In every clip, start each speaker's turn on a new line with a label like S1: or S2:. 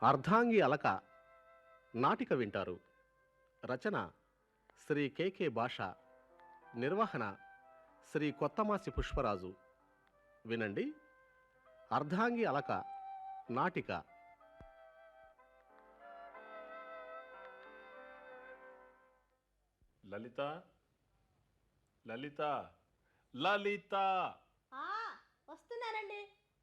S1: అర్ధాంగి అలక నాటిక వింటారు. రచన శ్రీ కె భాష. నిర్వహణ శ్రీ కొత్తమాసి పుష్పరాజు. వినండి. అర్ధాంగి అలక నాటిక.
S2: లలిత, లలిత, లలిత.
S3: ఆ, వస్తున్నానండి.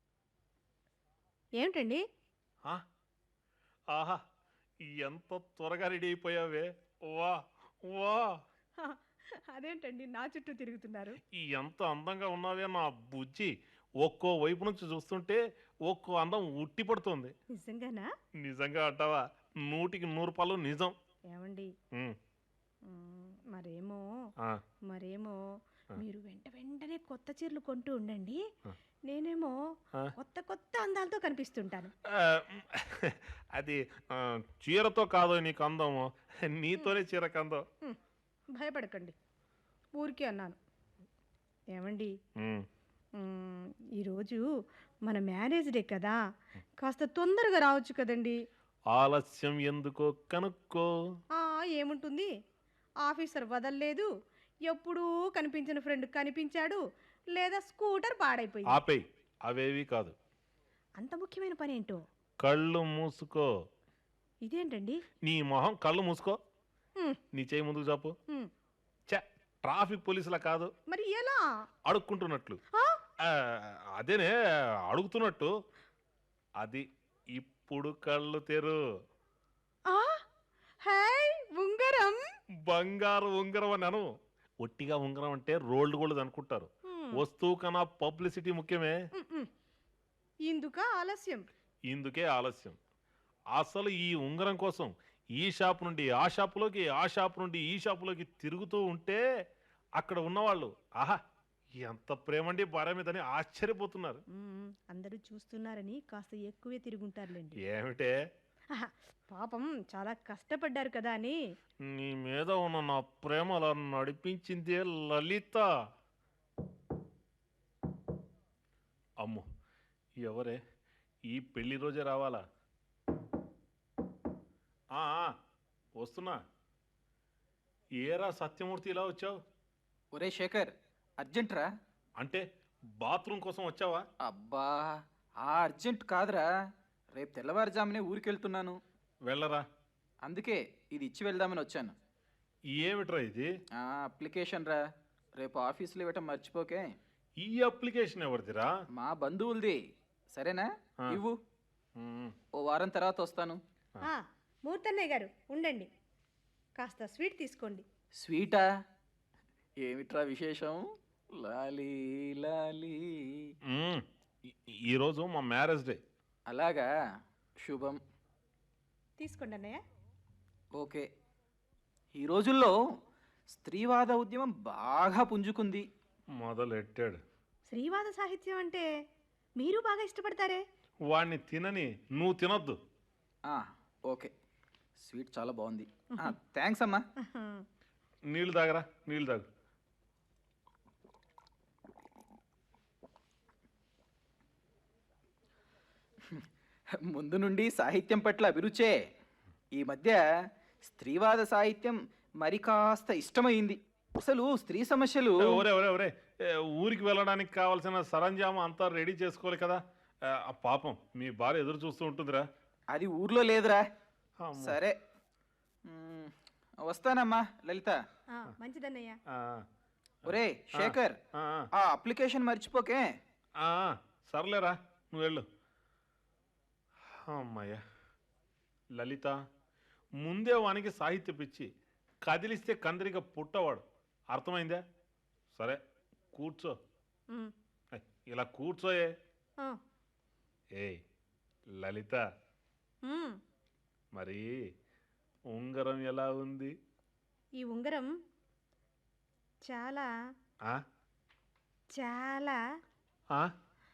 S3: ఏమిటండి?
S2: ఆ? ఆహా, ఎంత త్వరగా రెడీ అయిపోయావే. వా వా,
S3: అదేంటండి నా చుట్టూ తిరుగుతున్నారు?
S2: ఎంత అందంగా ఉన్నావే నా బుజ్జి. ఒక్కో వైపు నుంచి చూస్తుంటే ఒక్కో అందం ఉట్టి పడుతుంది.
S3: నిజంగానా?
S2: నిజంగా అంటావా? 100కి 100 పాలు నిజం.
S3: ఏమండి,
S2: ఉమ్,
S3: మరేమో
S2: ఆ,
S3: మరేమో
S2: ఆ.
S3: మీరు వెంటనే కొత్త చీరలు కొంటూ ఉండండి.
S2: ఆ.
S3: నేనేమో
S2: ఆ.
S3: కొత్త అందాలతో కనిపిస్తుంటాను.
S2: ఆ, అది చీరతో కాదో నీకు అందము, నీతోనే చీరకు అందం.
S3: భయపడకండి, ఊరికే అన్నాను. ఏమండి,
S2: ఉమ్.
S3: మ్, ఈరోజు మన మ్యారేజ్ డే కదా, కాస్త తొందరగా రావచ్చు కదండి.
S2: ఆలస్యం ఎందుకో కనుక్కో.
S3: ఏముంటుంది, ఆఫీసర్ వదల్లేదు, ఎప్పుడూ కనిపించిన ఫ్రెండ్ కనిపించాడు, లేదా స్కూటర్ పాడైపోయింది.
S2: ఆపేయ్, అవేవి కాదు.
S3: అంత ముఖ్యమైన పని ఏంటో?
S2: కళ్ళు మూసుకో.
S3: ఇదేంటండి?
S2: నీ మొహం కళ్ళు మూసుకో.
S3: మ్,
S2: నీ చేయి ముందుకు చాపు.
S3: మ్,
S2: ఛ, ట్రాఫిక్ పోలీసులా కాదు,
S3: మరి ఎలా?
S2: అడుక్కుంటున్నట్లు.
S3: ఆ?
S2: ఆ, అదేనే అడుగుతున్నట్టు. అది ఇప్పుడు కళ్ళు తెరు.
S3: ఆ? హై, ఉంగరం!
S2: బంగారు ఉంగరం అని అను. ఒట్టిగా ఉంగరం అంటే రోల్డ్ గోల్డ్ అనుకుంటారు.
S3: మ్,
S2: వస్తువు కన్నా పబ్లిసిటీ ముఖ్యమే.
S3: మ్, మ్. ఇందుకా ఆలస్యం?
S2: ఇందుకే ఆలస్యం. అసలు ఈ ఉంగరం కోసం ఈ షాప్ నుండి ఆ షాపులోకి, ఆ షాప్ నుండి ఈ షాపులోకి తిరుగుతూ ఉంటే అక్కడ ఉన్నవాళ్ళు ఆహా ఎంత ప్రేమండి భార్య మీదని ఆశ్చర్యపోతున్నారు.
S3: అందరూ చూస్తున్నారని కాస్త ఎక్కువే తిరుగుంటారులేండి.
S2: ఏమిటే?
S3: ఆహా, పాపం చాలా కష్టపడ్డారు కదా అని.
S2: నీ మీద ఉన్న నా ప్రేమ అలా నడిపించిందే లలిత. అమ్మో, ఎవరే? ఈ పెళ్లి రోజే రావాలా? వస్తున్నా. ఏరా సత్యమూర్తి, ఇలా వచ్చావు?
S4: ఒరే శేఖర్, అర్జెంట్ రా.
S2: అంటే బాత్రూమ్ కోసం వచ్చావా?
S4: అబ్బా, ఆ అర్జెంట్ కాదురా, రేపు తెల్లవారుజామునే ఊరికెళ్తున్నాను.
S2: వెళ్ళరా.
S4: అందుకే ఇది ఇచ్చి వెళ్దామని వచ్చాను.
S2: ఏమిట్రా ఇది?
S4: అప్లికేషన్ రా, రేపు ఆఫీసులో ఇవ్వటం మర్చిపోకే.
S2: ఈ అప్లికేషన్ ఎవరిదిరా?
S4: మా బంధువులది. సరేనా?
S2: ఆ.
S4: ఇవ్వు,
S2: మ్మ్.
S4: ఓ వారం తర్వాత వస్తాను.
S3: మూర్తన్నయ్య గారు ఉండండి, కాస్త స్వీట్ తీసుకోండి.
S4: స్వీటా? ఏమిట్రా విశేషం? లాలీ లాలీ.
S2: మ్మ్. ఈరోజు మా మ్యారేజ్ డే.
S4: అలాగా, శుభం.
S3: తీసుకోండి అన్నయ్య.
S4: ఓకే. ఈ రోజుల్లో స్త్రీవాద ఉద్యమం బాగా పుంజుకుంది.
S2: మొదలెట్టాడు.
S3: శ్రీవాద సాహిత్యం అంటే మీరు బాగా ఇష్టపడతారే.
S2: వాణ్ణి తినని నువ్వు తినొద్దు.
S4: ఓకే, స్వీట్ చాలా బాగుంది. థ్యాంక్స్ అమ్మా.
S2: నీళ్ళు తాగరా, నీళ్ళు తాగు.
S4: ముందు నుండి సాహిత్యం పట్ల అభిరుచే. ఈ మధ్య స్త్రీవాద సాహిత్యం మరి కాస్త ఇష్టమైంది. అసలు స్త్రీ సమస్యలు.
S2: ఒరే ఒరే ఒరే, ఊరికి వెళ్ళడానికి కావాల్సిన సరంజామా అంతా రెడీ చేసుకోవాలి కదా. పాపం మీ భార్య ఎదురు చూస్తూ ఉంటుందిరా.
S4: అది ఊర్లో లేదురా.
S2: అమ్మో.
S4: సరే, వస్తానమ్మా లలిత.
S3: మంచిదన్నయ్య.
S2: ఆ,
S4: ఒరే శేఖర్,
S2: ఆ,
S4: ఆ అప్లికేషన్ మర్చిపోకే.
S2: ఆ, సర్లేరా, నువ్వు వెళ్ళు. అమ్మయ్య. లలిత, ముందే వానికి సాహిత్య పిచ్చి, కదిలిస్తే కందరిగా పుట్టవాడు. అర్థమైందా? సరే, కూర్చో. ఏయ్, ఇలా కూర్చోయే. ఏయ్ లలిత, మరి ఉంగరం ఎలా ఉంది?
S3: ఈ ఉంగరం చాలా
S2: ఆ?
S3: చాలా
S2: ఆ?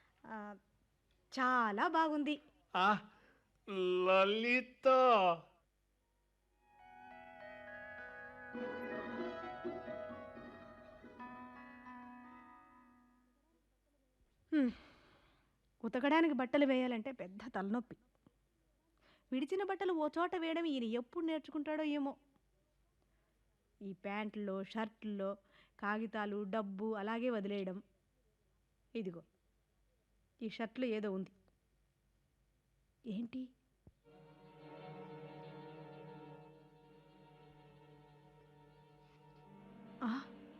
S3: చాలా బాగుంది.
S2: ఆ? లలిత.
S3: ఉతకడానికి బట్టలు వేయాలంటే పెద్ద తలనొప్పి. విడిచిన బట్టలు ఓ చోట వేయడం ఈయన ఎప్పుడు నేర్చుకుంటాడో ఏమో. ఈ ప్యాంట్లో షర్ట్లో కాగితాలు డబ్బు అలాగే వదిలేయడం. ఇదిగో ఈ షర్ట్లో ఏదో ఉంది. ఏంటి? ఆ,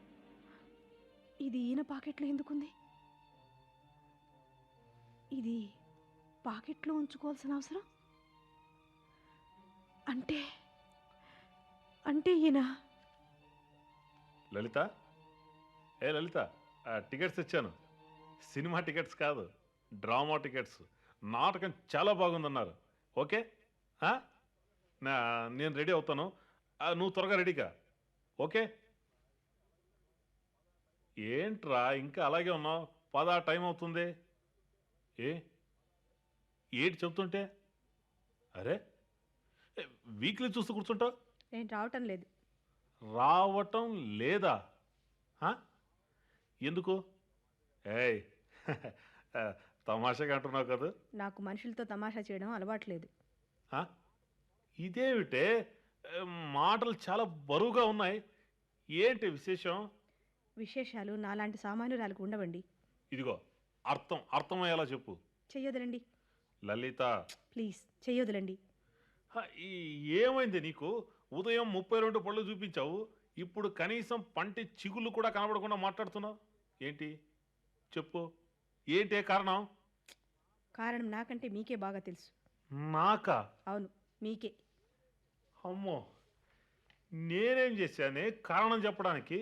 S3: ఇది ఈయన పాకెట్లో ఎందుకుంది? ఇది పాకెట్లో ఉంచుకోవాల్సిన అవసరం అంటే అంటే ఈయన
S2: లలిత, ఏ లలిత, టికెట్స్ ఇచ్చాను. సినిమా టికెట్స్ కాదు, డ్రామా టికెట్స్. నాటకం చాలా బాగుందన్నారు. ఓకే, నేను రెడీ అవుతాను. నువ్వు త్వరగా రెడీగా. ఓకే. ఏంట్రా ఇంకా అలాగే ఉన్నావు? పదా, టైం అవుతుంది. ఏంటి చెప్తుంటే? అరే, వీక్లీ చూస్తూ కూర్చుంటావు.
S3: నేను రావటం లేదు.
S2: రావటం లేదా? ఎందుకు? ఏయ్ తమాషాగా అంటున్నావు కదా.
S3: నాకు మనుషులతో తమాషా చేయడం అలవాట్లేదు.
S2: ఇదేమిటే మాటలు చాలా బరువుగా ఉన్నాయి. ఏంటి విశేషం?
S3: విశేషాలు నాలాంటి సామాన్యురాలకు ఉండవండి.
S2: ఇదిగో అర్థమయ్యేలా చెప్పు.
S3: చెయ్యొదలండి
S2: లలిత,
S3: ప్లీజ్, చెయ్యొదలండి.
S2: ఏమైంది నీకు? ఉదయం 32 పళ్ళు చూపించావు, ఇప్పుడు కనీసం పంటి చిగుళ్ళు కూడా కనబడకుండా మాట్లాడుతున్నావు. ఏంటి చెప్పు, ఏంటే కారణం?
S3: కారణం నాకంటే మీకే బాగా తెలుసు.
S2: నాకా?
S3: అవును, మీకే.
S2: అమ్మో, నేనేం చేశానే కారణం చెప్పడానికి?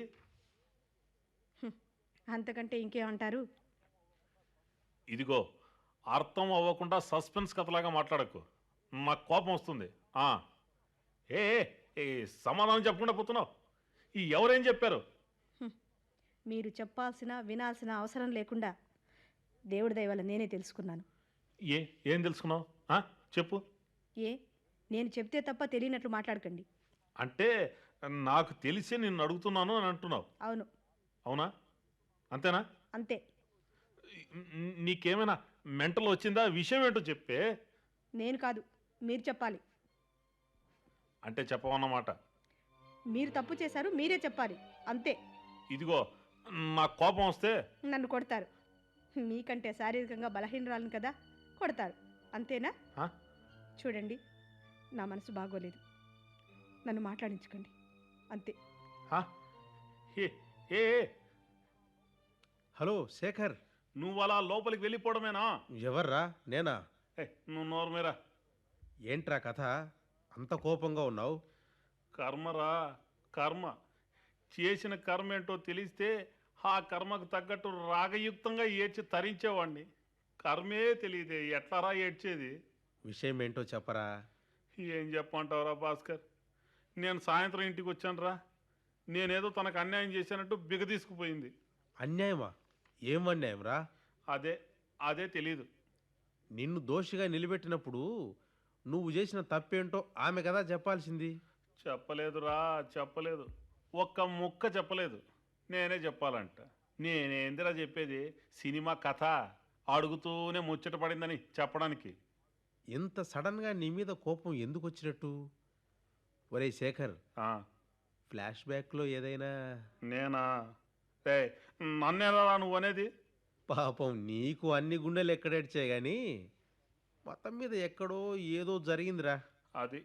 S3: అంతకంటే ఇంకేమంటారు?
S2: ఇదిగో, అర్థం అవ్వకుండా సస్పెన్స్ కథలాగా మాట్లాడకు, నాకు కోపం వస్తుంది. ఏ సమాధానం చెప్పకుండా పోతున్నావు. ఎవరేం చెప్పారు?
S3: మీరు చెప్పాల్సిన వినాల్సిన అవసరం లేకుండా దేవుడి దయ వల్ల నేనే తెలుసుకున్నాను.
S2: ఏం తెలుసుకున్నావు? చెప్పు.
S3: నేను చెప్తే తప్ప తెలియనట్లు మాట్లాడకండి.
S2: అంటే నాకు తెలిసి నిన్ను అడుగుతున్నాను అని అంటున్నావు.
S3: అవును.
S2: అవునా? అంతేనా?
S3: అంతే.
S2: నీకేమైనా మెంటల్ వచ్చిందా? విషయం ఏంటో చెప్పే.
S3: నేను కాదు, మీరు చెప్పాలి.
S2: అంటే చెప్పవన్నమాట.
S3: మీరు తప్పు చేశారు, మీరే చెప్పాలి, అంతే.
S2: ఇదిగో, నాకు కోపం వస్తే
S3: నన్ను కొడతారు. మీకంటే శారీరకంగా బలహీనరాలను కదా, కొడతారు, అంతేనా? చూడండి, నా మనసు బాగోలేదు, నన్ను మాట్లాడించుకోండి, అంతే.
S1: హలో శేఖర్,
S2: నువ్వు అలా లోపలికి వెళ్ళిపోవడమేనా?
S1: ఎవర్రా? నేనా?
S2: నువ్వు నోరు మీరా.
S1: ఏంట్రా కథ, అంత కోపంగా ఉన్నావు?
S2: కర్మరా, కర్మ. చేసిన కర్మ ఏంటో తెలిస్తే ఆ కర్మకు తగ్గట్టు రాగయుక్తంగా ఏడ్చి తరించేవాడిని. కర్మే తెలియదే, ఎట్లారా ఏడ్చేది?
S1: విషయం ఏంటో చెప్పరా.
S2: ఏం చెప్పమంటావురా భాస్కర్? నేను సాయంత్రం ఇంటికి వచ్చానురా, నేనేదో తనకు అన్యాయం చేశానట్టు బిగ తీసుకుపోయింది.
S1: అన్యాయమా? ఏం అన్యాయం రా?
S2: అదే తెలీదు.
S1: నిన్ను దోషిగా నిలబెట్టినప్పుడు నువ్వు చేసిన తప్పేంటో ఆమె కదా చెప్పాల్సింది.
S2: చెప్పలేదురా, చెప్పలేదు. ఒక్క ముక్క చెప్పలేదు. నేనే చెప్పాలంట. నేనేందిరా చెప్పేది? సినిమా కథ అడుగుతూనే ముచ్చట పడిందని చెప్పడానికి.
S1: ఇంత సడన్గా నీ మీద కోపం ఎందుకు వచ్చినట్టు? ఒరే శేఖర్, ఫ్లాష్ బ్యాక్లో ఏదైనా?
S2: నేనా? నన్నేలా నువ్వు అనేది?
S1: పాపం నీకు అన్ని గుండెలు ఎక్కడేడ్చాయి కానీ మొత్తం మీద ఎక్కడో ఏదో జరిగిందిరా.
S2: అది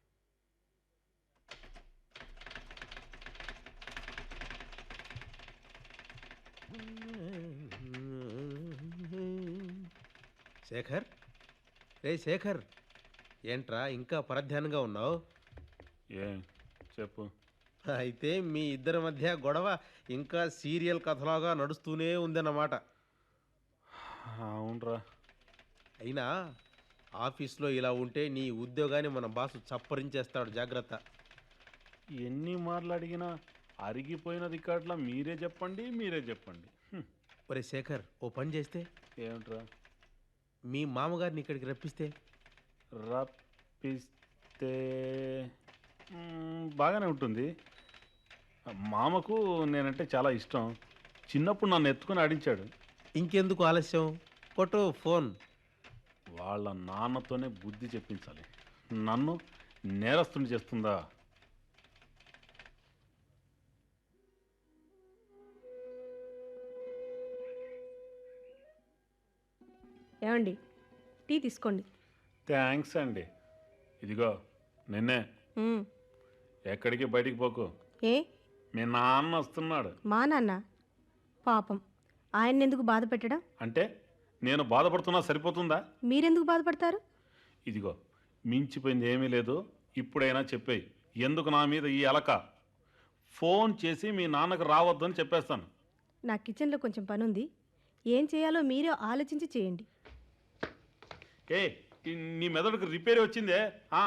S1: శేఖర్, శేఖర్, ఏంట్రా ఇంకా పరధ్యానంగా ఉన్నావు?
S2: ఏం చెప్పు.
S1: అయితే మీ ఇద్దరి మధ్య గొడవ ఇంకా సీరియల్ కథలాగా నడుస్తూనే ఉందన్నమాట.
S2: అవునరా.
S1: అయినా ఆఫీస్లో ఇలా ఉంటే నీ ఉద్యోగాన్ని మన బాసు చప్పరించేస్తాడు, జాగ్రత్త.
S2: ఎన్ని మార్లు అడిగినా అరిగిపోయిన రికార్డులా మీరే చెప్పండి.
S1: ఒరే శేఖర్, ఓ పని చేస్తే?
S2: ఏమిట్రా?
S1: మీ మామగారిని ఇక్కడికి రప్పిస్తే?
S2: రప్పిస్తే బాగానే ఉంటుంది. మామకు నేనంటే చాలా ఇష్టం. చిన్నప్పుడు నన్ను ఎత్తుకుని ఆడించాడు.
S1: ఇంకెందుకు ఆలస్యం, కొట్టు ఫోన్.
S2: వాళ్ళ నాన్నతోనే బుద్ధి చెప్పించాలి. నన్ను నేరస్తుని చేస్తుందా?
S3: ఏమండి, టీ తీసుకోండి.
S2: థ్యాంక్స్ అండి. ఇదిగో నిన్నే,
S3: మ్మ్.
S2: ఎక్కడికి బయటికి పోకు.
S3: ఏ
S2: మీ నాన్న వస్తున్నాడు.
S3: మా నాన్న పాపం, ఆయన్ని ఎందుకు బాధ పెట్టడం?
S2: అంటే నేను బాధపడుతున్నా సరిపోతుందా?
S3: మీరెందుకు బాధపడతారు?
S2: ఇదిగో, మించిపోయింది ఏమీ లేదు. ఇప్పుడైనా చెప్పేయి, ఎందుకు నా మీద ఈ అలక? ఫోన్ చేసి మీ నాన్నకు రావద్దని చెప్పేస్తాను.
S3: నా కిచెన్లో కొంచెం పని ఉంది, ఏం చేయాలో మీరే ఆలోచించి చేయండి.
S2: ఏ నీ మెదడుకు రిపేర్ వచ్చిందే?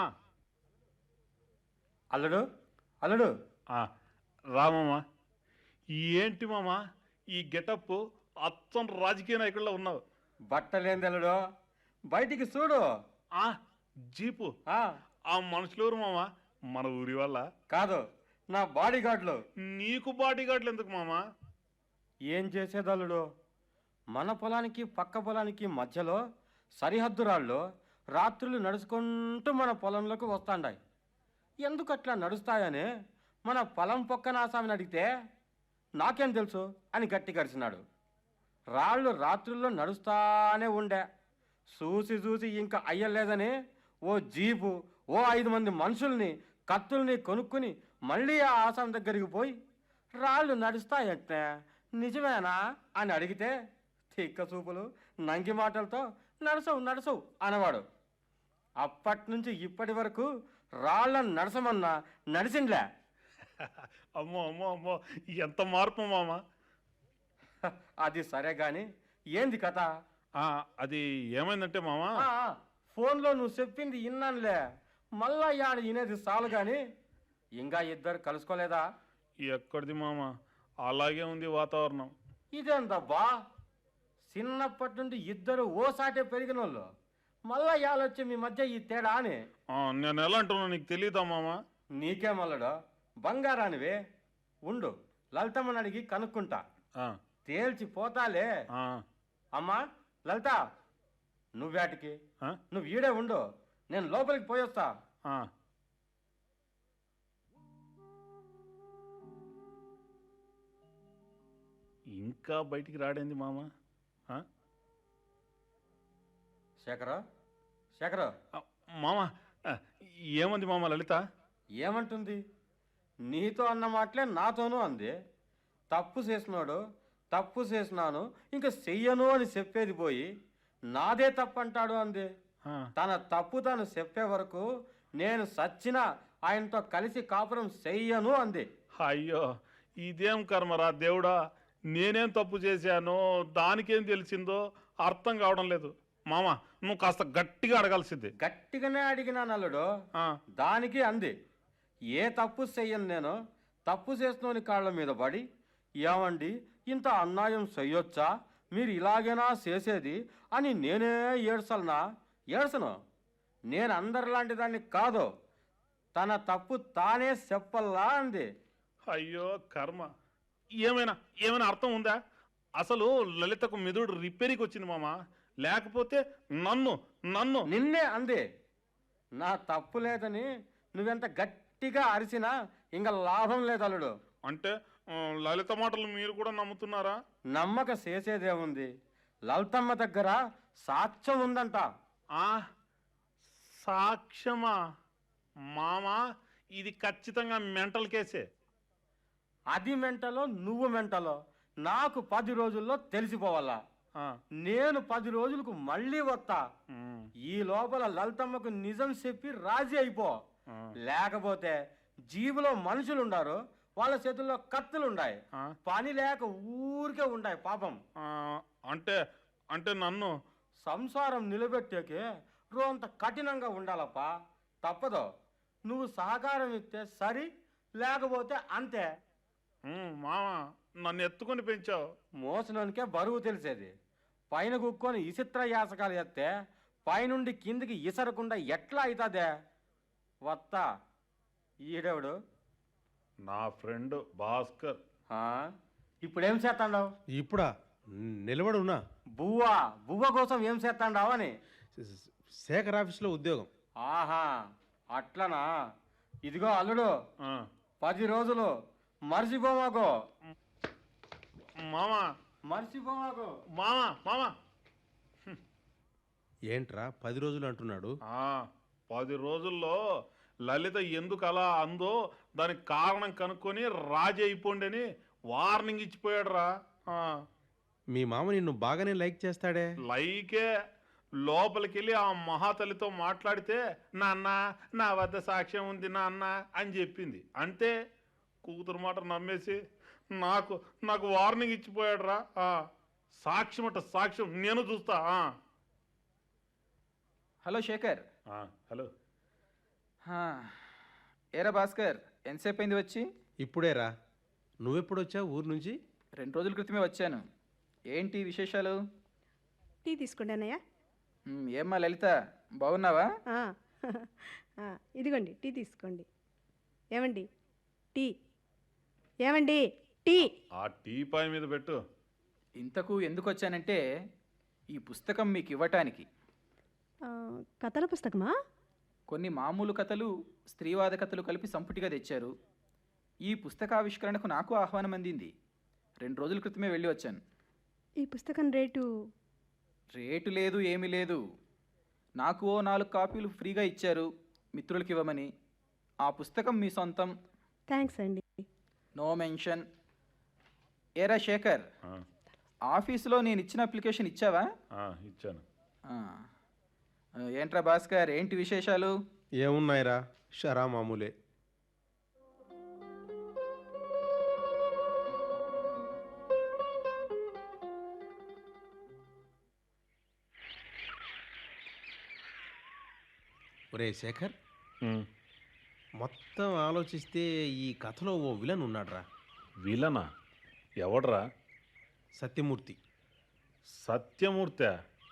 S5: అల్లుడు అల్లుడు
S2: రామమ్మా. ఏంటి మామా ఈ గెటప్? అచ్చం రాజకీయ నాయకుల్లో ఉన్నావు.
S5: బట్టలేంది అల్లుడు, బయటికి చూడు.
S2: జీపు
S5: ఆ
S2: ఆ మనుషులెవరు మామా? మన ఊరి వల్ల
S5: కాదు, నా బాడీ గార్డులు.
S2: నీకు బాడీ గార్డులు ఎందుకు మామా?
S5: ఏం చేసేది అల్లుడు, మన పొలానికి పక్క పొలానికి మధ్యలో సరిహద్దు రాళ్ళు రాత్రులు నడుచుకుంటూ మన పొలంలోకి వస్తాండాయి. ఎందుకు అట్లా నడుస్తాయని మన పొలం పక్కన ఆసామిని అడిగితే నాకేం తెలుసు అని గట్టి కరిచినాడు. రాళ్ళు రాత్రుల్లో నడుస్తానే ఉండే. చూసి చూసి ఇంకా అయ్యలేదని ఓ జీపు, ఓ 5 మంది మనుషుల్ని, కత్తుల్ని కొనుక్కుని మళ్ళీ ఆ ఆసామి దగ్గరికి పోయి రాళ్ళు నడుస్తాయంటే నిజమేనా అని అడిగితే తిక్క చూపులు నంగి మాటలతో నడసవు నడసవు అనేవాడు. అప్పటి నుంచి ఇప్పటి వరకు రాళ్ళను నడసమన్నా నడిచిండ్లే.
S2: అమ్మో అమ్మో అమ్మో, ఎంత మార్పు మామా!
S5: అది సరే గాని ఏంది కథ?
S2: అది ఏమైందంటే మామా,
S5: ఫోన్లో నువ్వు చెప్పింది విన్నానులే, మళ్ళా యాడ వినేది చాలు గాని ఇంకా ఇద్దరు కలుసుకోలేదా?
S2: ఎక్కడిది మామా, అలాగే ఉంది వాతావరణం.
S5: ఇదేందబ్బా, చిన్నప్పటి నుండి ఇద్దరు ఓసాటే పెరిగిన వాళ్ళు, మళ్ళా యాలొచ్చి మీ మధ్య ఈ తేడా అని.
S2: నేను ఎలా అంటున్నా నీకు తెలియదా మామా?
S5: నీకే మల్లడు, బంగారానివే. ఉండు, లలితమ్మని అడిగి కనుక్కుంటా, తేల్చి పోతాలే. అమ్మా లలిత, నువ్వేటికి? నువ్వు ఈడే ఉండు, నేను లోపలికి పోయొస్తా.
S2: ఇంకా బయటికి రాడేంది మామా?
S5: శేఖరా శేఖరా,
S2: మామా ఏమంది మామా లలిత?
S5: ఏమంటుంది? నీతో అన్న మాటలే నాతోనూ అంది. తప్పు చేసినాడు, తప్పు చేసినాను, ఇంకా చెయ్యను అని చెప్పేది పోయి నాదే తప్పు అంటాడు అంది. తన తప్పు తను చెప్పే వరకు నేను సచ్చినా ఆయనతో కలిసి కాపురం చెయ్యను అంది.
S2: అయ్యో, ఇదేం కర్మరా దేవుడా! నేనేం తప్పు చేశానో దానికేం తెలిసిందో అర్థం కావడం లేదు. మామా, నువ్వు కాస్త గట్టిగా అడగాల్సింది.
S5: గట్టిగానే అడిగినా నల్లుడు. దానికి అంది, ఏ తప్పు చెయ్యను నేను, తప్పు చేసినోని కాళ్ళ మీద పడి, ఏమండి ఇంత అన్యాయం చెయ్యొచ్చా, మీరు ఇలాగేనా చేసేది అని నేనే ఏడ్సలనా? ఏడ్సను. నేను అందరిలాంటి దాన్ని కాదు, తన తప్పు తానే చెప్పల్లా అంది.
S2: అయ్యో కర్మ, ఏమైనా ఏమైనా అర్థం ఉందా? అసలు లలితకు మెదడు రిపేరీకి వచ్చింది మామా, లేకపోతే నన్ను నన్ను
S5: నిన్నే అంది. నా తప్పు లేదని నువ్వెంత గట్టిగా అరిసినా ఇంకా లాభం లేదు అల్లుడు.
S2: అంటే లలిత మాటలు మీరు కూడా నమ్ముతున్నారా?
S5: నమ్మక చేసేదేముంది, లలితమ్మ దగ్గర సాక్ష్యం ఉందంట.
S2: సాక్ష్యమా? మామా, ఇది ఖచ్చితంగా మెంటల్ కేసే.
S5: అది మెంటలో నువ్వు మెంటలో నాకు 10 రోజుల్లో తెలిసిపోవాలా. నేను 10 రోజులకు మళ్ళీ వస్తా. ఈ లోపల లలితమ్మకు నిజం చెప్పి రాజీ అయిపో. లేకపోతే జీబులో మనుషులుండారు, వాళ్ళ చేతుల్లో కత్తులుండాయి, పని లేక ఊరికే ఉండాయి పాపం.
S2: అంటే అంటే నన్ను
S5: సంసారం నిలబెట్టేకే రోంత కఠినంగా ఉండాలప్పా. తప్పదు. నువ్వు సహకారం ఇస్తే సరి, లేకపోతే అంతే.
S2: మామా, నన్ను ఎత్తుకొని పెంచావు.
S5: మోసనానికే బరువు తెలిసేది. పైన కుక్కొని ఇసిత్ర యాసకాలు ఎత్తే పైనుండి కిందికి ఇసరకుండా ఎట్లా అవుతుందే? వత్తా. ఈడెవడు?
S2: నా ఫ్రెండ్ భాస్కర్.
S5: ఇప్పుడేం చేస్తాండావు?
S1: ఇప్పుడా? నిలబడున్నా.
S5: బువ్వ కోసం ఏం చేస్తాండావు అని.
S1: శేఖర్ ఆఫీస్లో ఉద్యోగం.
S5: ఆహా అట్లనా? ఇదిగో అల్లుడు,
S2: ఆ,
S5: 10 రోజులు మర్చిపోమాకు.
S2: మామా
S5: మర్చిపోమాకు.
S2: మామా మామా
S1: ఏంట్రా 10 రోజులు అంటున్నాడు?
S2: 10 రోజుల్లో లలిత ఎందుకు అలా అందో దానికి కారణం కనుక్కొని రాజీ అయిపోండి అని వార్నింగ్ ఇచ్చిపోయాడు రా.
S1: మీ మామ నిన్ను బాగానే లైక్ చేస్తాడే.
S2: లైకే లోపలికి వెళ్ళి ఆ మహాతల్లితో మాట్లాడితే నాన్న నా వద్ద సాక్ష్యం ఉంది నాన్న అని చెప్పింది. అంతే, కూతురు మాట నమ్మేసి నాకు నాకు వార్నింగ్ ఇచ్చిపోయాడు రా. సాక్ష్యం అట సాక్ష్యం నేను చూస్తా.
S4: హలో శేఖర్.
S2: హలో.
S4: హా, ఏరా భాస్కర్, ఎంతసేపు అయింది వచ్చి?
S1: ఇప్పుడేరా. నువ్వెప్పుడు వచ్చావు ఊరు నుంచి?
S4: 2 రోజుల క్రితమే వచ్చాను. ఏంటి విశేషాలు?
S3: టీ తీసుకోండి అన్నయ్య.
S4: ఏమ్మా లలిత, బాగున్నావా?
S3: ఆ, ఇదిగోండి టీ తీసుకోండి. ఏమండి టీ? ఏమండి టీ?
S2: ఆ టీపాయ్ మీద పెట్టు.
S4: ఇంతకు ఎందుకు వచ్చానంటే ఈ పుస్తకం మీకు ఇవ్వటానికి.
S3: కథల పుస్తకమా?
S4: కొన్ని మామూలు కథలు, స్త్రీవాద కథలు కలిపి సంపుటిగా తెచ్చారు. ఈ పుస్తకావిష్కరణకు నాకు ఆహ్వానం అందింది. 2 రోజుల క్రితమే వెళ్ళి వచ్చాను.
S3: ఈ పుస్తకం రేటు?
S4: రేటు లేదు, ఏమీ లేదు. నాకు ఓ 4 కాపీలు ఫ్రీగా ఇచ్చారు మిత్రులకి ఇవ్వమని. ఆ పుస్తకం మీ సొంతం.
S3: థ్యాంక్స్ అండి.
S4: No mention. ఏరా శేఖర్, ఆఫీసులో నేను ఇచ్చిన అప్లికేషన్ ఇచ్చావా?
S2: ఇచ్చాను.
S4: ఆ. ఏంట్రా భాస్కర్, ఏంటి విశేషాలు?
S1: ఏమున్నాయిరా, షరా మామూలే. ఒరే శేఖర్, మొత్తం ఆలోచిస్తే ఈ కథలో ఓ విలన్ ఉన్నాడ్రా.
S2: విలనా? ఎవడ్రా?
S1: సత్యమూర్తి.
S2: సత్యమూర్తి?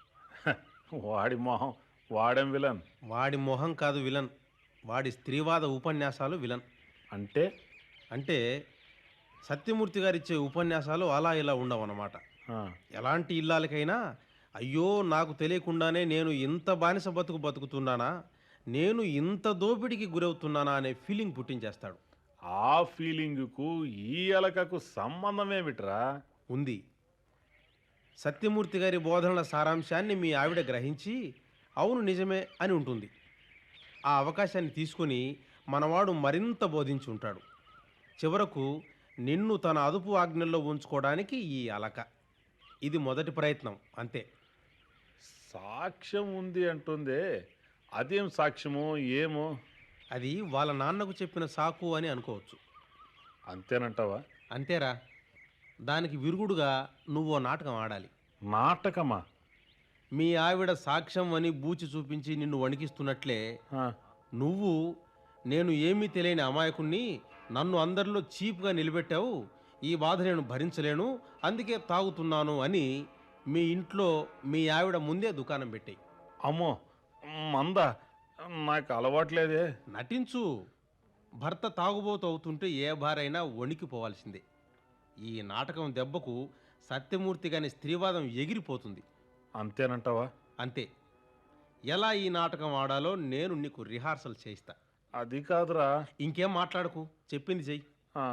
S2: వాడి మొహం, వాడేం విలన్?
S1: వాడి మొహం కాదు విలన్, వాడి స్త్రీవాద ఉపన్యాసాలు విలన్.
S2: అంటే
S1: అంటే సత్యమూర్తి గారిచ్చే ఉపన్యాసాలు అలా ఇలా ఉండవన్నమాట. ఎలాంటి ఇల్లాలకైనా అయ్యో నాకు తెలియకుండానే నేను ఇంత బానిస బతుకుతున్నానా, నేను ఇంత దోపిడికి గురవుతున్నానా అనే ఫీలింగ్ పుట్టించేస్తాడు.
S2: ఆ ఫీలింగుకు ఈ ఎలకకు సంబంధమేమిట్రా?
S1: ఉంది. సత్యమూర్తి గారి బోధనల సారాంశాన్ని మీ ఆవిడ గ్రహించి అవును నిజమే అని ఉంటుంది. ఆ అవకాశాన్ని తీసుకొని మనవాడు మరింత బోధించి ఉంటాడు. చివరకు నిన్ను తన అదుపు ఆజ్ఞల్లో ఉంచుకోవడానికి ఈ అలక. ఇది మొదటి ప్రయత్నం, అంతే.
S2: సాక్ష్యం ఉంది అంటుందే, అదేం సాక్ష్యమో ఏమో?
S1: అది వాళ్ళ నాన్నకు చెప్పిన సాకు అని అనుకోవచ్చు.
S2: అంతేనంటావా?
S1: అంతేరా. దానికి విరుగుడుగా నువ్వో నాటకం ఆడాలి.
S2: నాటకమా?
S1: మీ ఆవిడ సాక్ష్యం అని బూచి చూపించి నిన్ను వణికిస్తున్నట్లే నువ్వు నేను ఏమీ తెలియని అమాయకుణ్ణి, నన్ను అందరిలో చీప్గా నిలబెట్టావు, ఈ బాధ నేను భరించలేను అందుకే తాగుతున్నాను అని మీ ఇంట్లో మీ ఆవిడ ముందే దుకాణం పెట్టాయి.
S2: అమ్మో మందా, నాకు అలవాట్లేదే.
S1: నటించు. భర్త తాగుబోతు అవుతుంటే ఏ భారైనా వణికిపోవాల్సిందే. ఈ నాటకం దెబ్బకు సత్యమూర్తి గాని స్త్రీవాదం ఎగిరిపోతుంది.
S2: అంతేనంటావా?
S1: అంతే. ఎలా ఈ నాటకం ఆడాలో నేను నీకు రిహార్సల్ చేయిస్తా.
S2: అది కాదురా.
S1: ఇంకేం మాట్లాడకు, చెప్పింది చెయ్యి.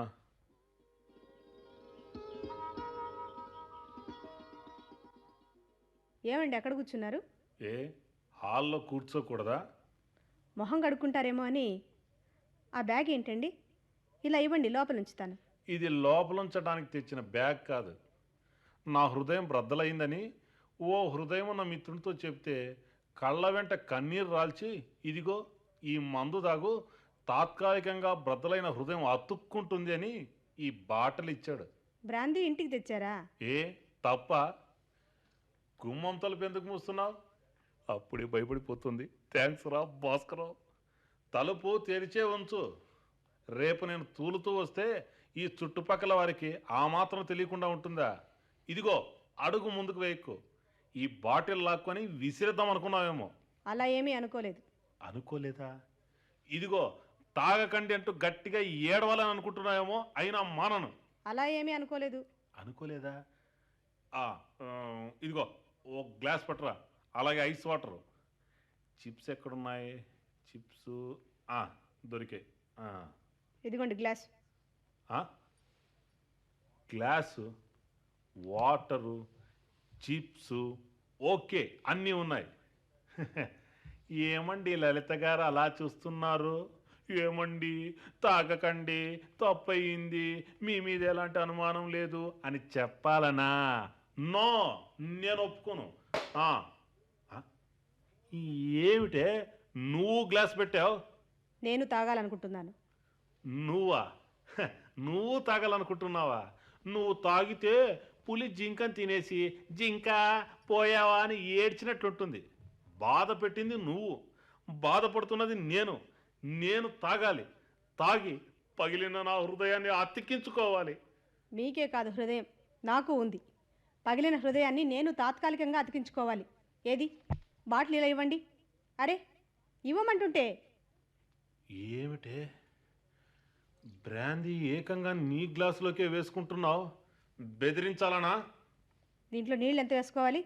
S3: ఏమండి ఎక్కడ కూర్చున్నారు?
S2: ఏ హాల్లో కూర్చోకూడదా?
S3: మొహం కడుక్కుంటారేమో అని. ఆ బ్యాగ్ ఏంటండి? ఇలా ఇవ్వండి, లోపల ఉంచుతాను.
S2: ఇది లోపలుంచడానికి తెచ్చిన బ్యాగ్ కాదు. నా హృదయం బ్రద్దలైందని ఓ హృదయం ఉన్న మిత్రునితో చెప్తే కళ్ళ వెంట కన్నీరు రాల్చి ఇదిగో ఈ మందు దాగు తాత్కాలికంగా బ్రద్దలైన హృదయం అతుక్కుంటుంది అని ఈ బాటలు ఇచ్చాడు.
S3: బ్రాందీ ఇంటికి తెచ్చారా?
S2: ఏ తప్ప? గుమ్మం తలుపు ఎందుకు మూస్తున్నావు? అప్పుడే భయపడిపోతుంది. థ్యాంక్స్ రా భాస్కరరావు. తలుపు తెరిచే ఉంచు. రేపు నేను తూలుతూ వస్తే ఈ చుట్టుపక్కల వారికి ఆ మాత్రం తెలియకుండా ఉంటుందా? ఇదిగో అడుగు ముందుకు వేయకు. ఈ బాటిల్ లాక్కొని విసిరేద్దాం అనుకున్నావేమో.
S3: అలా ఏమీ అనుకోలేదు.
S2: అనుకోలేదా? ఇదిగో తాగకండి అంటూ గట్టిగా ఏడవాలని అనుకుంటున్నావేమో, అయినా మానను.
S3: అలా ఏమీ అనుకోలేదు.
S2: అనుకోలేదా? ఇదిగో ఓ గ్లాస్ పట్టరా, అలాగే ఐస్ వాటర్. చిప్స్ ఎక్కడున్నాయి? చిప్స్ దొరికాయి.
S3: ఇదిగోండి glass.
S2: Glass, water, chips, okay, అన్నీ ఉన్నాయి. ఏమండి లలిత గారు అలా చూస్తున్నారు? ఏమండి తాగకండి, తప్పయింది, మీ మీద ఎలాంటి అనుమానం లేదు అని చెప్పాలనా? నో, నేను ఒప్పుకోను. ఆ, ఆ, ఏమిటే నువ్వు గ్లాస్ పెట్టావు?
S3: నేను తాగాలనుకుంటున్నాను.
S2: నువ్వా? నువ్వు తాగాలనుకుంటున్నావా? నువ్వు తాగితే పులి జింకని తినేసి జింక పోయావా అని ఏడ్చినట్లుంటుంది. బాధ పెట్టింది నువ్వు, బాధపడుతున్నది నేను. నేను తాగాలి, తాగి పగిలిన నా హృదయాన్ని అతికించుకోవాలి.
S3: మీకే కాదు, హృదయం నాకు ఉంది. పగిలిన హృదయాన్ని నేను తాత్కాలికంగా అతికించుకోవాలి. ఏది బాటిల్ ఇలా ఇవ్వండి. అరే ఇవ్వమంటుంటే.
S2: ఏమిటే బ్రాందీ ఏకంగా నీ గ్లాసులోకే వేసుకుంటున్నావు? బెదిరించాలనా?
S3: దీంట్లో నీళ్ళు ఎంత వేసుకోవాలి?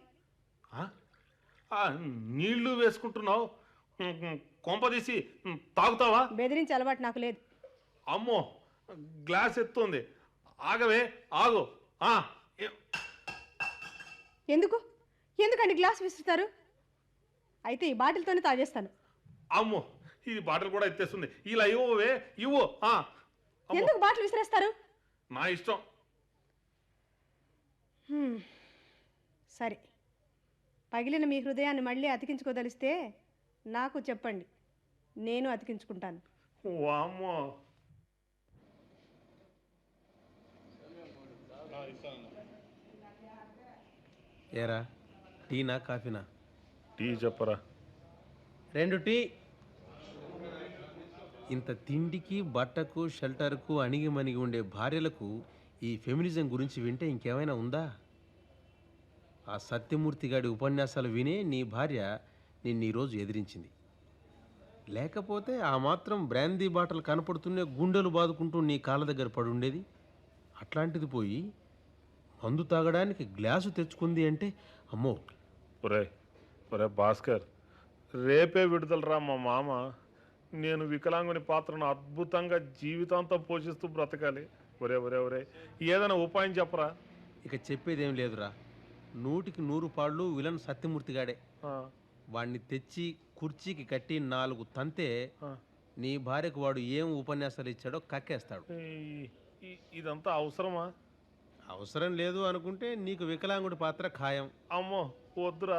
S2: నీళ్లు వేసుకుంటున్నావు, కొంపదీసి తాగుతావా?
S3: బెదిరించే అలవాటు నాకు లేదు.
S2: అమ్మో, గ్లాస్ ఎత్తుంది. ఆగవే, ఆగు.
S3: ఎందుకండి గ్లాస్ విసురుతారు? అయితే ఈ బాటిల్తోనే తాగేస్తాను.
S2: అమ్మో, ఇది బాటిల్ కూడా ఎత్తేస్తుంది. ఇలా ఇవ్వవే, ఇవ్వు.
S3: ఎందుకు బాటిల్ విసిరేస్తారు?
S2: నా ఇష్టం.
S3: సరే, పగిలిన మీ హృదయాన్ని మళ్ళీ అతికించుకోదలిస్తే నాకు చెప్పండి, నేను అతికించుకుంటాను.
S2: వామ్మో,
S1: ఏరా, టీనా కాఫీనా?
S2: టీ చెప్పరా.
S1: 2 టీ. ఇంత తిండికి బట్టకు షెల్టర్కు అణిగి మణిగి ఉండే భార్యలకు ఈ ఫెమినిజం గురించి వింటే ఇంకేమైనా ఉందా? ఆ సత్యమూర్తి గాడి ఉపన్యాసాలు వినే నీ భార్య నిన్ను ఈరోజు ఎదిరించింది. లేకపోతే ఆ మాత్రం బ్రాందీ బాటలు కనపడుతూనే గుండెలు బాదుకుంటూ నీ కాళ్ళ దగ్గర పడి ఉండేది. అట్లాంటిది పోయి మందు తాగడానికి గ్లాసు తెచ్చుకుంది అంటే అమ్మో.
S2: ఒరే ఒరే భాస్కర్, రేపే విడుదలరా మా మామ. నేను వికలాంగుని పాత్రను అద్భుతంగా జీవితాంతం పోషిస్తూ బ్రతకాలి. ఒరే ఒరే ఒరే, ఏదైనా ఉపాయం చెప్పరా.
S1: ఇక చెప్పేదేం లేదురా. 100కి 100 పాళ్ళు విలన్ సత్యమూర్తిగాడే. వాడిని తెచ్చి కుర్చీకి కట్టి 4 తంతే నీ భార్యకు వాడు ఏం ఉపన్యాసాలు ఇచ్చాడో కక్కేస్తాడు.
S2: ఇదంతా అవసరమా?
S1: అవసరం లేదు అనుకుంటే నీకు వికలాంగుడి పాత్ర ఖాయం.
S2: అమ్మో వద్దురా.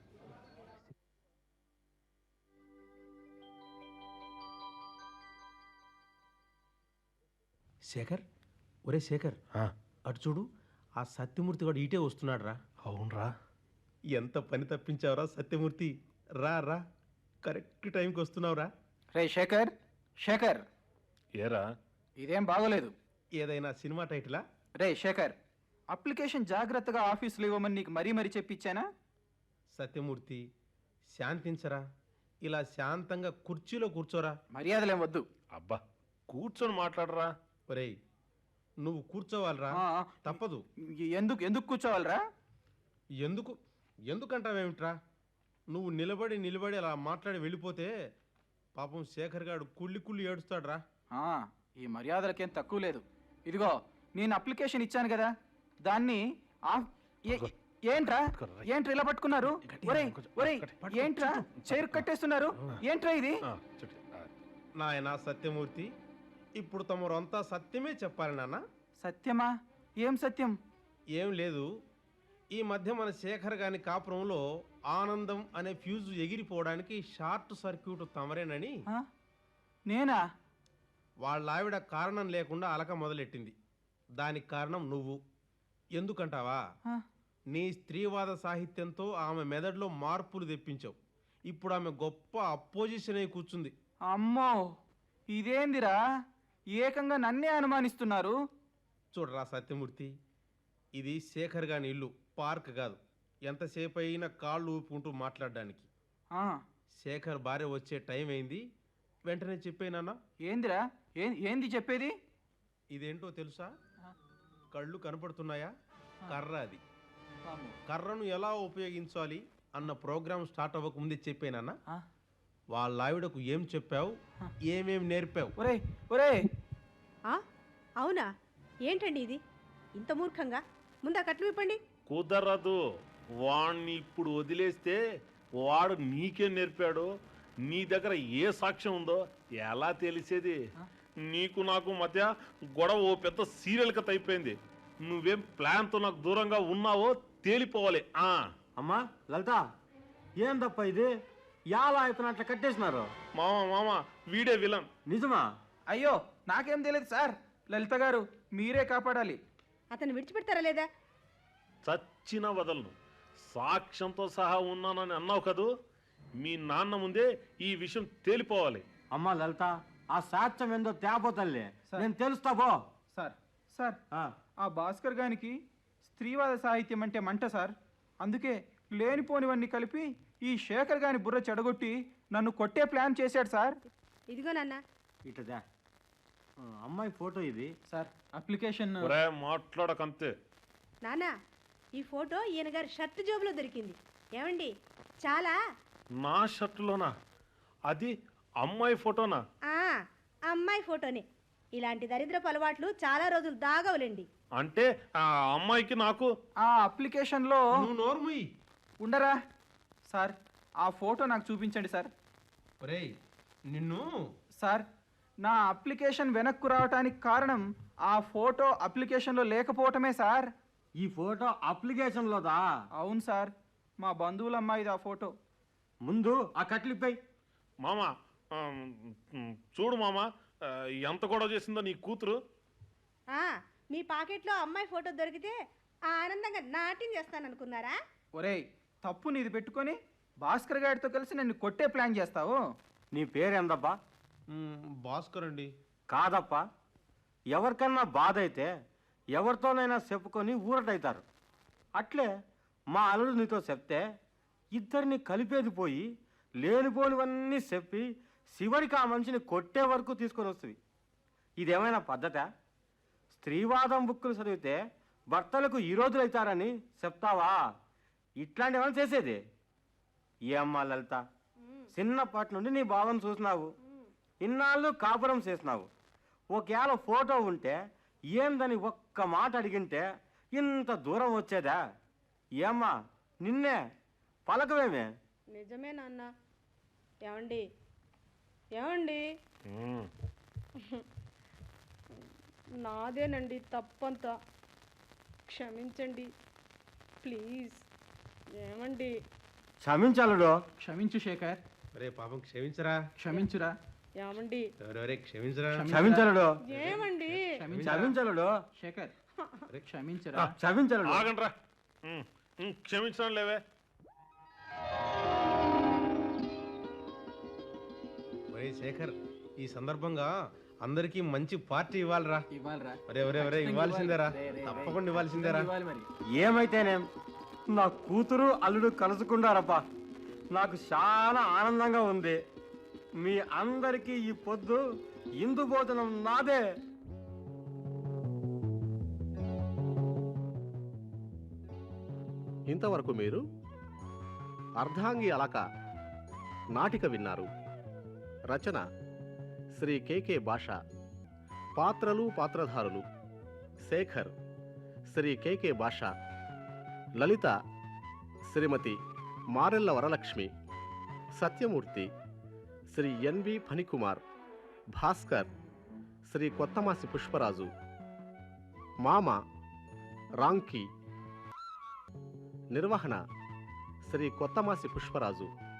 S1: శేఖర్, ఒరే శేఖర్, అటు చూడు, ఆ సత్యమూర్తి వాడు ఇటే వస్తున్నాడు రా.
S2: అవునరా,
S1: ఎంత పని తప్పించావురా సత్యమూర్తి. రా రా, కరెక్ట్ టైంకి వస్తున్నావురా.
S4: రే శేఖర్, శేఖర్,
S2: ఏరా
S4: ఇదేం బాగోలేదు.
S1: ఏదైనా సినిమా టైటిలా?
S4: రే శేఖర్, అప్లికేషన్ జాగ్రత్తగా ఆఫీసులో ఇవ్వమని నీకు మరీ చెప్పించానా?
S1: సత్యమూర్తి, శాంతించరా. ఇలా శాంతంగా కుర్చీలో కూర్చోరా.
S4: మర్యాదలేం వద్దు.
S2: అబ్బా, కూర్చొని మాట్లాడరా.
S1: ఒరేయ్, నువ్వు కూర్చోవాలరా, తప్పదు.
S4: ఎందుకు ఎందుకు కూర్చోవాలరా?
S1: ఎందుకంటావేమిట్రా? నువ్వు నిలబడి అలా మాట్లాడి వెళ్ళిపోతే పాపం శేఖర్ గారు కుళ్ళి ఏడుస్తాడురా.
S4: ఈ మర్యాదలకేం తక్కువ లేదు. ఇదిగో, నేను అప్లికేషన్ ఇచ్చాను కదా, దాన్ని ఏంట్రా ఇలా పట్టుకున్నారు? ఒరేయ్ ఒరేయ్, ఏంట్రా చైర్ కట్టేస్తున్నారు? ఏంట్రా ఇది?
S1: నాయనా సత్యమూర్తి, ఇప్పుడు తమరంతా సత్యమే చెప్పాలి నాన్న.
S4: సత్యమా? ఏం సత్యం?
S1: ఏం లేదు, ఈ మధ్య మన శేఖర్ గాని కాపురంలో ఆనందం అనే ఫ్యూజు ఎగిరిపోవడానికి షార్ట్ సర్క్యూట్ తమరేనని.
S4: నేనా?
S1: వాళ్ళ ఆవిడ కారణం లేకుండా అలక మొదలెట్టింది. దానికి కారణం నువ్వు. ఎందుకంటావా? నీ స్త్రీవాద సాహిత్యంతో ఆమె మెదడులో మార్పులు తెప్పించావు. ఇప్పుడు ఆమె గొప్ప అపోజిషన్ అయి కూర్చుంది.
S4: అమ్మో, ఇదేందిరా, ఏకంగా నన్నే అనుమానిస్తున్నారు.
S1: చూడరా సత్యమూర్తి, ఇది శేఖర్ గాని ఇల్లు, పార్క్ కాదు. ఎంతసేపు అయినా కాళ్ళు ఊపుకుంటూ మాట్లాడడానికి. శేఖర్ భార్య వచ్చే టైం అయింది, వెంటనే చెప్పేనా.
S4: ఏందిరా, ఏంది చెప్పేది?
S1: ఇదేంటో తెలుసా? కళ్ళు కనపడుతున్నాయా? కర్ర. అది కర్రను ఎలా ఉపయోగించాలి అన్న ప్రోగ్రాం స్టార్ట్ అవ్వక ముందే చెప్పేనా. వాళ్ళ ఆవిడకు ఏం చెప్పావు, ఏమేం నేర్పావు?
S4: ఒరే ఒరే
S3: ఆ? అవునా? ఏంటండి ఇది ఇంత మూర్ఖంగా? ముందు ఆ కట్లు విప్పండి.
S2: కుదరదు. వాణ్ణి ఇప్పుడు వదిలేస్తే వాడు నీకేం నేర్పాడు, నీ దగ్గర ఏ సాక్ష్యం ఉందో ఎలా తెలిసేది? నీకు నాకు మధ్య గొడవ ఓ పెద్ద సీరియల్ కథ అయిపోయింది. నువ్వేం ప్లాన్తో నాకు దూరంగా ఉన్నావో తేలిపోవాలి.
S5: అమ్మా లలిత, ఏం తప్ప ఇది? ఎలా ఇతను అట్లా కట్టేసినారు?
S2: మామ వీడే విలన్.
S5: నిజమా?
S4: అయ్యో నాకేం తెలియదు సార్. లలిత గారు మీరే కాపాడాలి.
S3: అతను విడిచిపెడతారా లేదా?
S2: చచ్చిన వదలను. సాక్ష్యంతో సహా ఉన్నానని అన్నావు కదూ, మీ నాన్న ముందే ఈ విషయం తేలిపోవాలి.
S5: అమ్మా లలిత, ఆ సాక్ష్యం ఏందో తేపో తల్లి,
S4: సార్.
S5: నేను తెలుస్తా పో.
S4: సార్ సార్
S5: ఆ,
S4: ఆ భాస్కర్ గానికి స్త్రీవాద సాహిత్యం అంటే మంట సార్. అందుకే లేనిపోనివన్నీ కలిపి ఈ శేఖర్ గాని బుర్ర చెడగొట్టి నన్ను కొట్టే ప్లాన్ చేశాడు సార్.
S3: ఇదిగో నాన్న.
S5: ఇటదా అమ్మాయి ఫోటో ఇది.
S4: సార్ అప్లికేషన్
S2: ఒరే మాట్లాడకంతే.
S3: నాన్న, ఈ ఫోటో ఈయన గారి షర్ట్ జోబులో దొరికింది. ఏమండి, చాలా
S2: నా షర్టులోనా? అది అమ్మాయి ఫోటోనా?
S3: ఆ అమ్మాయి ఫోటోనే. ఇలాంటి దరిద్రపు అలవాట్లు చాలా రోజులు దాగవులేండి.
S2: అంటే ఆ అమ్మాయికి నాకు
S4: ఆ అప్లికేషన్లో
S1: నువ్వు నోర్ముయి.
S4: ఉండరా సార్, ఆ ఫోటో నాకు చూపించండి సార్.
S1: ఒరేయ్ నిన్ను
S4: సార్ నా అప్లికేషన్ వెనక్కు రావటానికి కారణం ఆ ఫోటో అప్లికేషన్లో లేకపోవటమే సార్.
S5: ఈ ఫోటో అప్లికేషన్లోదా?
S4: అవును సార్, మా బంధువుల అమ్మాయిది ఆ ఫోటో.
S5: ముందు ఆ కట్లిపోయి.
S2: మామ చూడు మామ, ఎంత గొడవ చేసిందో నీ కూతురు.
S3: మీ పాకెట్లో అమ్మాయి ఫోటో దొరికితే ఆనందంగా నాట్యం చేస్తాననుకున్నారా?
S4: ఒరేయ్ తప్పు నీది పెట్టుకొని భాస్కర్ గారితో కలిసి నన్ను కొట్టే ప్లాన్ చేస్తావు.
S5: నీ పేరేందబ్బా?
S1: భాస్కర్ అండి.
S5: కాదప్పా, ఎవరికన్నా బాధ అయితే ఎవరితోనైనా చెప్పుకొని ఊరటవుతారు. అట్లే మా అల్లుడు నీతో చెప్తే ఇద్దరిని కలిపేది పోయి లేనిపోనివన్నీ చెప్పి చివరికి ఆ మనిషిని కొట్టే వరకు తీసుకొని వస్తుంది. ఇదేమైనా పద్ధతా? స్త్రీవాదం బుక్కులు చదివితే భర్తలకు ఈ రోజులైతారని చెప్తావా? ఇట్లాంటివన్నీ చేసేది ఏమ్మా లలిత, చిన్నప్పటి నుండి నీ భావం చూసినావు, ఇన్నాళ్ళు కాపురం చేసినావు. ఒకవేళ ఫోటో ఉంటే ఏందని ఒక్క మాట అడిగింటే ఇంత దూరం వచ్చేదా? ఏమ్మా నిన్నే పలకవేమే?
S3: నిజమే నాన్న. ఏమండి ఏమండి, నాదేనండి తప్పంతా, క్షమించండి ప్లీజ్. ఏమండి?
S5: క్షమించాలుడు.
S4: క్షమించు శేఖర్,
S1: ఒరే పాపం క్షమించరా.
S4: క్షమించురా.
S3: ఏమండి?
S1: ఎవరెవరే క్షమించరా.
S5: క్షమించలుడు.
S3: ఏమండి?
S5: క్షమించలుడు.
S4: శేఖర్ క్షమించురా.
S5: క్షమించలుడు.
S2: ఆగండ్రా. క్షమించడం లేవే.
S1: ఒరే శేఖర్, ఈ సందర్భంగా అందరికీ మంచి పార్టీ ఇవ్వాలిరా.
S4: ఇవ్వాలిరా.
S1: ఒరే ఒరే ఒరే ఇవ్వాల్సిందేరా, తప్పకుండా ఇవ్వాల్సిందేరా.
S4: ఇవ్వాలి మరి.
S5: ఏమైతేనేం నా కూతురు అల్లుడు కలుసుకుంటారప్పా, నాకు చాలా ఆనందంగా ఉంది. మీ అందరికీ ఈ పొద్దు ఇందు భోజనం నాదే.
S6: ఇంతవరకు మీరు అర్ధాంగి అలక నాటిక విన్నారు. రచన శ్రీ కె భాష. పాత్రలు పాత్రధారులు: శేఖర్ శ్రీ కె భాష, లలిత శ్రీమతి మారెల్ల వరలక్ష్మి, సత్యమూర్తి శ్రీ ఎన్వి ఫణికుమార్, భాస్కర్ శ్రీ కొత్తమాసి పుష్పరాజు, మామ రాంకి. నిర్వహణ శ్రీ కొత్తమాసి పుష్పరాజు.